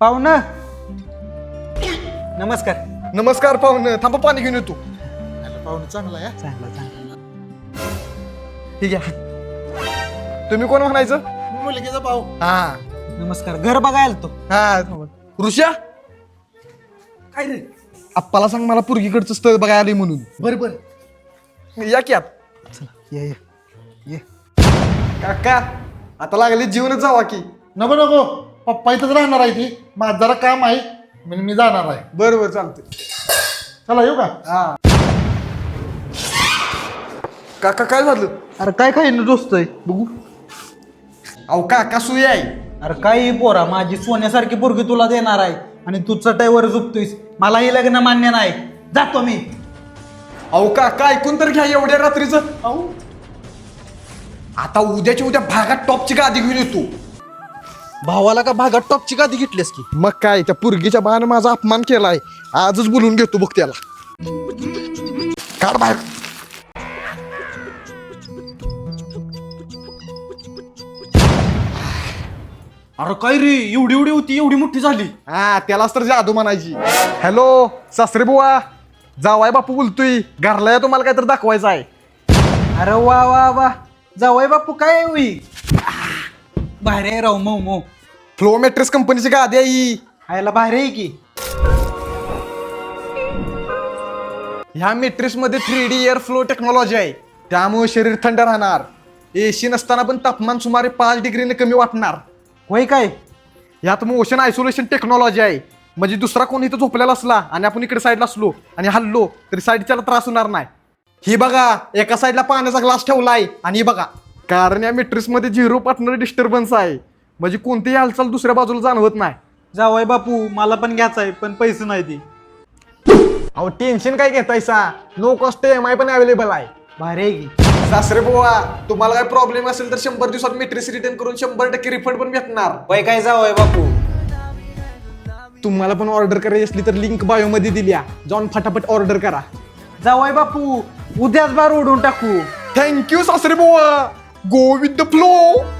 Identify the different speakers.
Speaker 1: पाहुणं नमस्कार.
Speaker 2: नमस्कार पाहुणं, थांबा पाणी घेऊन येतो.
Speaker 3: पाहुणं चांगला आहे.
Speaker 1: चांगला
Speaker 2: ठीक आहे. तुम्ही कोण म्हणायचं?
Speaker 3: मुलगीचा भाऊ.
Speaker 2: हा
Speaker 1: नमस्कार. घर बघायला तो
Speaker 2: हा ऋषा,
Speaker 3: काय रे?
Speaker 2: आप्पाला सांग मला पुरगीकडचं स्थळ बघायला आलंय म्हणून.
Speaker 3: बर
Speaker 2: या की आत.
Speaker 1: ये ये
Speaker 2: काका आता लागले जीवनच जावा की.
Speaker 3: नको नको, पप्पा इथंच राहणार आहे ती. माझं जरा काम आहे म्हणून मी जाणार आहे.
Speaker 2: बरोबर चालतंय.
Speaker 3: चला येऊ का?
Speaker 2: हा काका काय झालं?
Speaker 1: अरे काय काय दोस्तय बघू.
Speaker 2: अहो काका सुई आहे.
Speaker 1: अरे काय पोरा, माझी सोन्यासारखी पोरगी तुला देणार आहे आणि तू चटाईवर झोपतोयस. मला हे लग्न मान्य नाही. जातो मी.
Speaker 2: अहो काका ऐकून तर घ्या एवढ्या रात्रीचं. अहो आता उद्याच्या उद्या भागात टॉपची गादी घेऊन येतो.
Speaker 1: भावाला का भागात टॉपची गादी घेतलीस की?
Speaker 2: मग काय, त्या पुरगीच्या बाण माझा अपमान केलाय. आजच बोलून घेतो बघ त्याला. काढ बाहेर.
Speaker 1: अरे काय रे, एवढी एवढी होती, एवढी मोठी झाली.
Speaker 2: हा त्यालाच तर जादू म्हणायची. हॅलो सासरे बुवा, जावाय बापू बोलतोय. घरला या, तुम्हाला काय तर दाखवायचं आहे.
Speaker 1: अरे वा वा वा, जावई बापू काय होई भारी आहे राव. मऊ मऊ
Speaker 2: फ्लो मॅट्रेस कंपनीची गादी आहे ही.
Speaker 1: आयला भारी आहे की.
Speaker 2: ह्या मॅट्रेस मध्ये 3D एअर फ्लो टेक्नॉलॉजी आहे. त्यामुळे शरीर थंड राहणार. एसी नसताना पण तापमान सुमारे 5 डिग्रीने कमी वाटणार.
Speaker 1: होय काय?
Speaker 2: यात मोशन आयसोलेशन टेक्नॉलॉजी आहे. म्हणजे दुसरा कोणी इथं झोपलेला असला आणि आपण इकडे साईडला असलो आणि हल्लो तरी साईडच्याला त्रास होणार नाही. ही बघा, एका साईडला पाण्याचा ग्लास ठेवलाय आणि ही बघा, कारण या मॅट्रेस मध्ये 0 पार्टनर डिस्टर्बन्स आहे. म्हणजे कोणतीही हालचाल दुसऱ्या बाजूला जाणवत नाही.
Speaker 1: जावई बापू मला पण घ्यायचं आहे, पण पैसे नाही ती.
Speaker 2: अहो टेन्शन काय घेतायसा, नो कॉस्ट EMI पण अवेलेबल आहे.
Speaker 1: भारी आहे की.
Speaker 2: सासरे बुवा, तुम्हाला काय प्रॉब्लेम असेल तर 100 दिवसात मॅट्रेस रिटर्न करून 100% रिफंड पण भेटणार.
Speaker 1: होय काय जावई बापू?
Speaker 2: तुम्हाला पण ऑर्डर करायची असली तर लिंक बायो मध्ये दिल्या, जाऊन फटाफट ऑर्डर करा.
Speaker 1: जावई बापू उद्याच बार उडून टाकू.
Speaker 2: थँक्यू सासरे बुवा. Go with the flow.